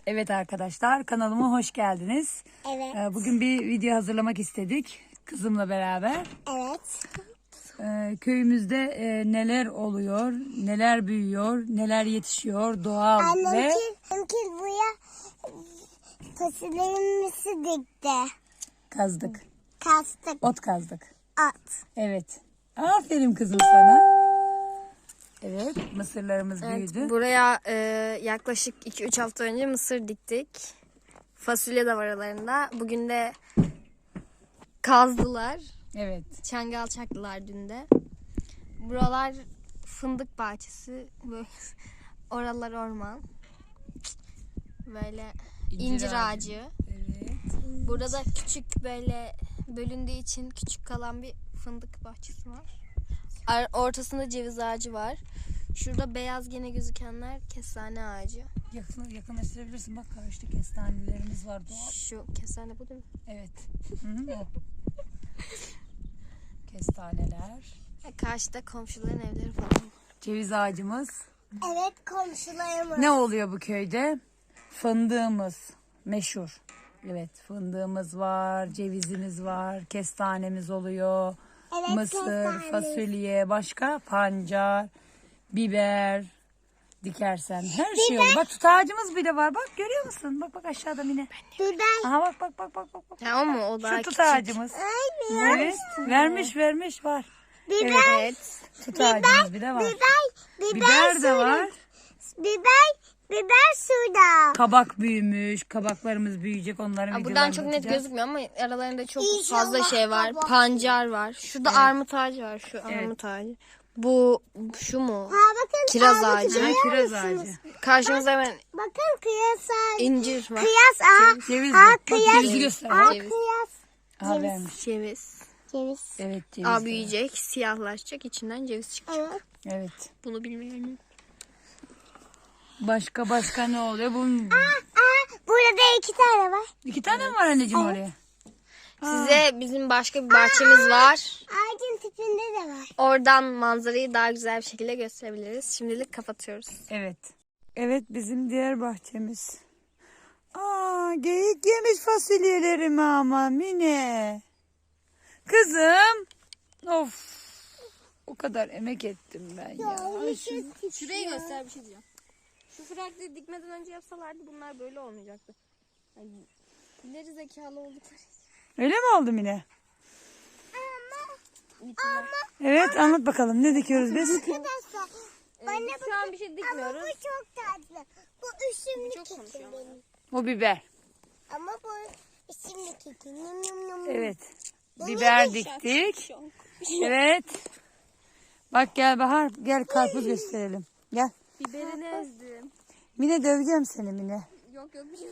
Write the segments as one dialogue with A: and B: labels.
A: Evet arkadaşlar, kanalıma hoş geldiniz.
B: Evet.
A: Bugün bir video hazırlamak istedik kızımla beraber.
B: Evet.
A: Köyümüzde neler oluyor, neler büyüyor, neler yetişiyor, doğal ve
B: Annemkin buraya fasulyelerimizi dikti.
A: kazdık,
B: Kastık.
A: ot kazdık.
B: At.
A: Evet, aferin kızım sana. Evet, mısırlarımız büyüdü.
C: Buraya yaklaşık 2-3 hafta önce mısır diktik. Fasulye de var aralarında. Bugün de kazdılar.
A: Evet.
C: Çangal çaktılar dün de. Buralar fındık bahçesi. Böyle oralar orman. Böyle incir ağacı.
A: Evet.
C: Burada küçük böyle bölündüğü için küçük kalan bir fındık bahçesi var. Ortasında ceviz ağacı var. Şurada beyaz gene gözükenler kestane ağacı.
A: Yakınlaştırabilirsin. Bak karşıda kestanelerimiz var doğal.
C: Şu kestane bu değil mi?
A: Evet. Hı, o. Kestaneler.
C: Karşıda komşuların evleri falan.
A: Ceviz ağacımız.
B: Evet, komşularımız.
A: Ne oluyor bu köyde? Fındığımız meşhur. Evet, fındığımız var, cevizimiz var, kestanemiz oluyor.
B: Evet,
A: Mısır,
B: kestane.
A: fasulye, başka pancar, biber dikersen her şey olur. Bak tut ağacımız bile var. Bak görüyor musun? Bak aşağıda Mine.
B: Biber.
A: Aha bak.
C: Ha o mu? O daha
A: Şu tut
C: küçük.
A: ağacımız. Evet. Vermiş var.
B: Biber.
C: Evet.
A: Tut ağacımız bir de var.
B: Biber
A: Biber de var.
B: Biber suda.
A: Kabak büyümüş. Kabaklarımız büyüyecek. Onların
C: Buradan
A: videolarını
C: çok net
A: atacağız.
C: gözükmüyor ama aralarında çok
B: İnşallah
C: fazla şey var.
B: kabak.
C: Pancar var. Şurada armut ağacı var. Şu armut ağacı. Bu şu mu?
B: Ha bakın.
C: Kiraz
B: armutu
C: ağacı.
B: görüyor
A: Kiraz
B: musunuz?
A: ağacı.
C: Karşımızda hemen
B: Bakın kıyas ağacı.
C: incir var.
B: Kıyas ağacı.
A: Ceviz
B: Aa,
A: bak. Bak
B: kıyas.
A: cevizi göster.
B: Aa,
C: Ceviz.
B: kıyas.
A: Aha vermiş.
C: Ceviz.
B: Ceviz.
A: Evet ceviz.
C: Aa
A: de
C: büyüyecek, siyahlaşacak, içinden ceviz çıkacak.
B: Evet.
A: var. Evet.
C: Bunu bilmiyorum.
A: Başka ne oluyor? Bunun
B: Burada 2 tane var.
A: 2 tane mi var anneciğim oraya?
C: Size bizim başka bir bahçemiz var.
B: Ağacın tipinde de var.
C: Oradan manzarayı daha güzel bir şekilde gösterebiliriz. Şimdilik kapatıyoruz.
A: Evet. Evet bizim diğer bahçemiz. Geyik yemiş fasulyelerimi ama Mine. Kızım. Of. O kadar emek ettim ben ya.
C: Şurayı göster bir şey diyeceğim. Şu frakları dikmeden önce yapsalardı bunlar böyle olmayacaktı. Yani ileri zekalı oldukları için.
A: Öyle mi oldu Mine? Evet anlat bakalım ne dikiyoruz biz?
B: Arkadaşlar. Bana
C: Şu an bir şey
B: Ama
C: dikmiyoruz.
B: bu çok tatlı. Bu üşümlük
C: Çok konuşuyor ama.
B: keki.
A: O biber.
B: Ama bu üşümlük keki. Num num num.
A: Evet. Biber diktik. Evet. Bak gel Bahar. Gel karpuz gösterelim. Gel.
C: Biberini ezdim.
A: Mine döveceğim seni Mine.
C: Yok bir şey.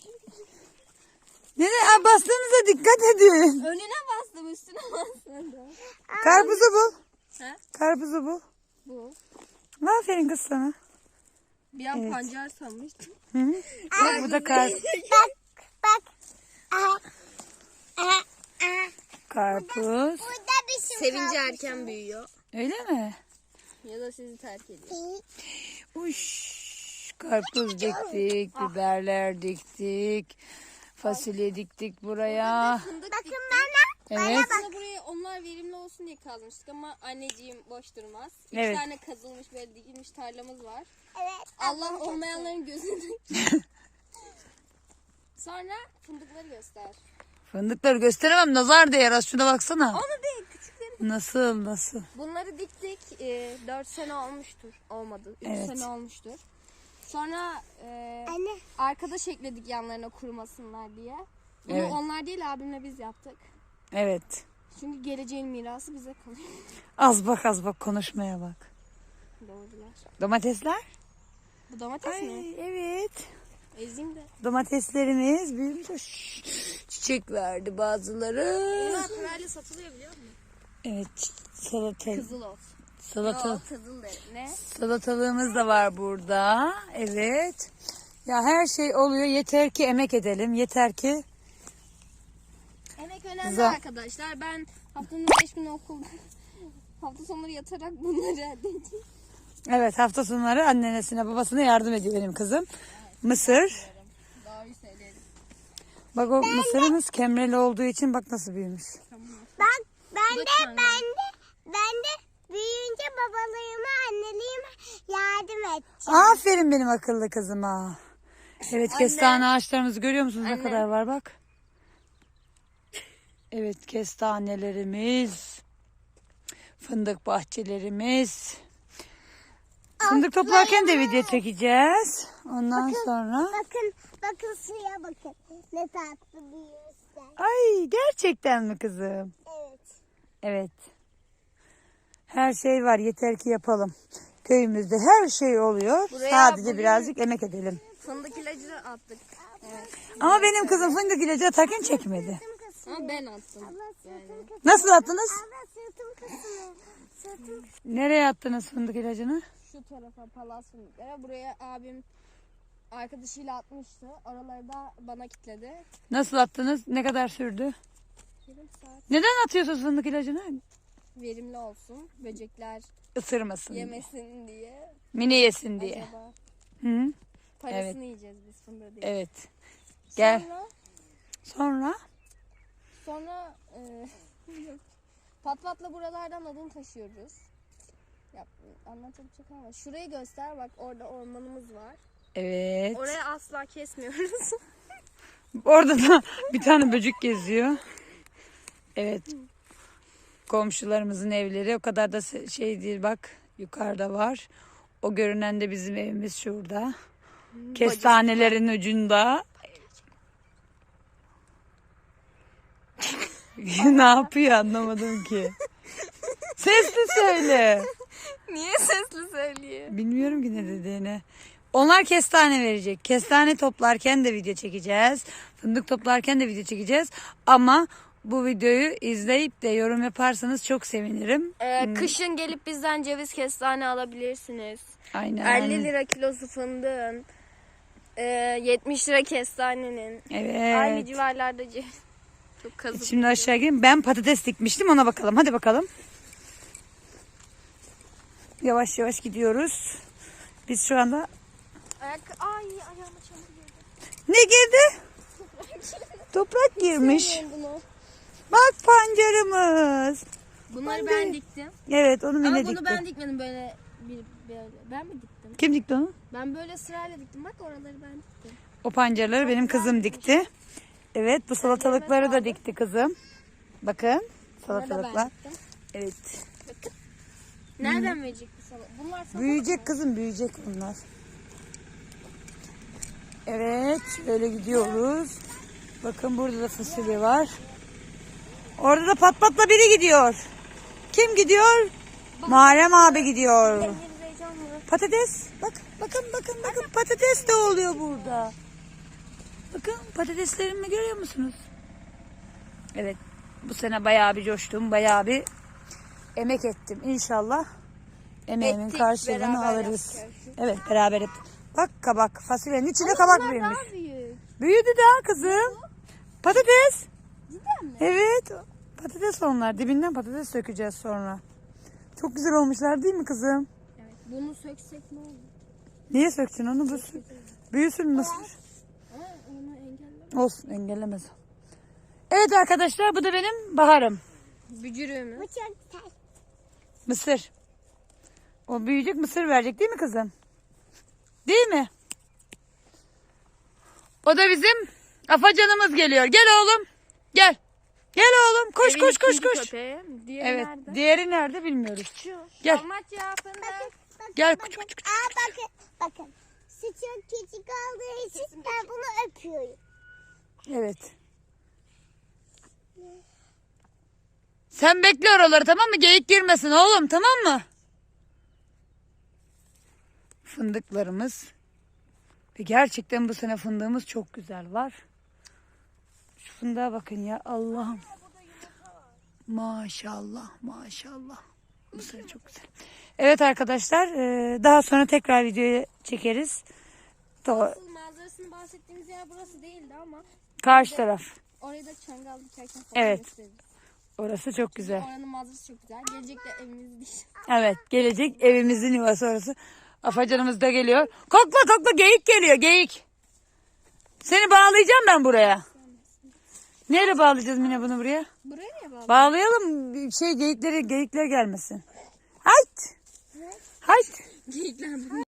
A: Nene bastığınıza dikkat edin.
C: Önüne bastım üstüne bastım.
A: Karpuzu bul.
C: He?
A: Karpuzu bul.
C: Bu.
A: Aferin kız sana.
C: Bir an pancar sanmıştım.
A: Hı -hı. Bak bu da
B: Bak. Aha. Aha. Aha.
A: karpuz.
B: Burada bir şey
C: Sevince erken büyüyor.
A: Öyle mi?
C: Ya da sizi terk ediyor.
A: Uş. Karpuz diktik, biberler diktik, fasulye diktik buraya.
B: Bakın bana.
A: Evet.
C: Aslında buraya onlar verimli olsun diye kazmıştık ama anneciğim boş durmaz. Üç
A: Evet.
C: tane kazılmış böyle dikilmiş tarlamız var.
B: Evet.
C: Allah olmayanların gözünü. Sonra fındıkları göster.
A: Fındıkları gösteremem, nazar değer. Az şuna baksana.
C: Onu değil küçükleri.
A: Nasıl?
C: Bunları diktik 4 sene olmuştur. Olmadı 3
A: Evet.
C: sene olmuştur. Sonra
B: Anne.
C: arkadaş ekledik yanlarına kurumasınlar diye. Bunu
A: Evet.
C: onlar değil abimle biz yaptık.
A: Evet.
C: Çünkü geleceğin mirası bize kalıyor.
A: Az bak konuşmaya bak.
C: Doğrular.
A: Domatesler?
C: Bu domates mi?
A: Ay, evet.
C: Ezeyim de.
A: Domateslerimiz büyümüş. Çiçek verdi bazıları.
C: Bunlar parayla satılıyor biliyor musun?
A: Evet,
C: Kızıl ot.
A: salata.
C: Kızıl derim. Ne?
A: Salatalığımız da var burada. Evet. Ya her şey oluyor. Yeter ki emek edelim. Yeter ki
C: Emek önemli
A: Za-
C: arkadaşlar. Ben haftanın 5 günü okulda hafta sonları yatarak bunları elde edeceğim.
A: evet hafta sonları annenesine babasına yardım ediyor benim kızım. Mısır.
C: boyu söyleyelim.
A: Bak o mısırımız kemreli olduğu için bak nasıl büyümüş.
B: Bak ben
C: Bu da
B: de
C: çangal.
B: ben de büyüyünce babalığıma anneliğime yardım edeceğim.
A: Aferin benim akıllı kızıma. Evet, kestane ağaçlarımızı görüyor musunuz ne
C: Anne.
A: kadar var bak. Evet, kestanelerimiz. Fındık bahçelerimiz. Fındık toplarken de video çekeceğiz. Ondan sonra.
B: Bakın suya bakın. Ne tatlı büyüyorsun.
A: Ay, gerçekten mi kızım?
B: Evet.
A: Evet. Her şey var, yeter ki yapalım. Köyümüzde her şey oluyor.
C: Buraya
A: Sadece
C: bugün-
A: birazcık emek edelim.
C: Fındık ilacı attık. Evet.
A: Ama benim kızım fındık ilacı atarken çekmedi.
C: Ama ben attım.
B: Abla sırtım kısıyor.
A: Nasıl attınız?
B: Abla sırtım kısıyor. Sırtım.
A: Nereye attınız fındık ilacını?
C: Şu tarafa palas fındıklara. Buraya abim arkadaşıyla atmıştı. Oraları da bana kilitledi.
A: Nasıl attınız? Ne kadar sürdü?
C: Yarım saat.
A: Neden atıyorsunuz fındık ilacını?
C: Verimli olsun. Böcekler
A: Isırmasın diye.
C: yemesin diye.
A: Mini yesin diye.
C: Acaba
A: Hı?
C: parasını yiyeceğiz biz fındığı değil.
A: Evet. Gel.
C: Sonra,
A: Sonra
C: yok. Patpatla buralardan odun taşıyoruz. Ya, anlatabilecek ama şurayı göster bak, orada ormanımız var.
A: evet.
C: Orayı asla kesmiyoruz.
A: Orada da bir tane böcek geziyor. Evet. Komşularımızın evleri o kadar da şey değil, bak yukarıda var. O görünen de bizim evimiz şurada. Kestanelerin ucunda. Ne yapıyor anlamadım ki. Sesli söyle.
C: Niye sesli söylüyor?
A: Bilmiyorum ki ne dediğini. Onlar kestane verecek. Kestane toplarken de video çekeceğiz. Fındık toplarken de video çekeceğiz. Ama bu videoyu izleyip de yorum yaparsanız çok sevinirim.
C: Kışın gelip bizden ceviz kestane alabilirsiniz.
A: Aynen.
C: 50 lira kilosu fındığın. 70 lira kestanenin.
A: Evet.
C: Aynı civarlarda ceviz. Çok kazık.
A: Şimdi aşağı gelin. Ben patates dikmiştim, ona bakalım. Hadi bakalım. Yavaş yavaş gidiyoruz. Biz şu anda...
C: Ay ayağıma çamur girdi.
A: Ne girdi? Toprak girmiş.
C: Sevmiyorum bunu.
A: Bak pancarımız.
C: Bunları ben diktim.
A: Evet, onu
C: Ama
A: Mine
C: bunu
A: dikti.
C: ben dikmedim böyle böyle. Ben mi diktim?
A: Kim dikti onu?
C: Ben böyle sırayla diktim. Bak oraları ben diktim.
A: O pancarları benim kızım dikti. Evet, bu salatalıkları da dikti kızım. Bakın
C: Bunları da ben
A: salatalıklar.
C: diktim.
A: Evet.
C: Bakın. Nereden verecek bu salata? Bunlar salata.
A: Büyüyecek kızım, büyüyecek bunlar. Evet, şöyle gidiyoruz. Bakın burada da fasulye var. Orada da pat patla biri gidiyor. Kim gidiyor? Muharrem abi gidiyor.
C: Elleriniz heyecanlı.
A: Patates. Bak, bakın patates de oluyor burada. Bakın patateslerimi görüyor musunuz? Evet, bu sene bayağı bir coştum, bayağı bir emek ettim. İnşallah emeğimin
C: Ettik,
A: karşılığını
C: beraber
A: alırız.
C: yaptık.
A: Evet, beraber ettik. Bak kabak, fasulyenin içinde kabak
C: Bunlar
A: büyümüş.
C: daha büyük.
A: Büyüdü daha kızım. Patates.
C: Cidden mi?
A: Evet, patates onlar. Dibinden patates sökeceğiz sonra. Çok güzel olmuşlar değil mi kızım?
C: Evet. Bunu söksek ne olur?
A: Niye söktün onu? Büyüsün mısır.
C: Ama onu engeller.
A: Olsun, engellemez. Evet arkadaşlar, bu da benim baharım.
C: Bücürüğümüz.
B: Bu çok güzel.
A: Mısır. O büyüyecek, mısır verecek değil mi kızım? Değil mi? O da bizim afacanımız geliyor. Gel oğlum. Gel. Gel oğlum. Koş
C: Evin
A: koş koş
C: ikinci
A: koş.
C: köpeği. Diğeri
A: Evet.
C: nerede?
A: Diğeri nerede bilmiyoruz.
C: Şu.
A: Gel.
C: Dalmatya fındık.
A: Gel.
B: Bakın,
A: Küçük küçük.
B: bakın. Su çok küçük olduğu için ben bunu öpüyorum.
A: Evet. Sen bekle oraları, tamam mı? Geyik girmesin oğlum, tamam mı? Fındıklarımız. Ve gerçekten bu sene fındığımız çok güzel var. Şu fındığa bakın ya, Allah'ım. Maşallah maşallah. Bu sene çok güzel. Evet arkadaşlar, daha sonra tekrar videoyu çekeriz.
C: Asıl manzarasını bahsettiğimiz yer burası değildi ama
A: Karşı taraf.
C: orayı da çangal dikerken falan
A: Evet.
C: gösteririz.
A: Orası çok güzel.
C: Oranın manzarası çok güzel. Gelecekte evimiz değil.
A: Evet, gelecek evimizin yuvası orası. Afacanımız da geliyor. Kokla kokla, geyik geliyor, geyik. Seni bağlayacağım ben buraya. Neyle bağlayacağız Mine bunu buraya?
C: Buraya niye bağlı?
A: Bağlayalım geyikler gelmesin. Hayt. Hayt.
C: Geyikler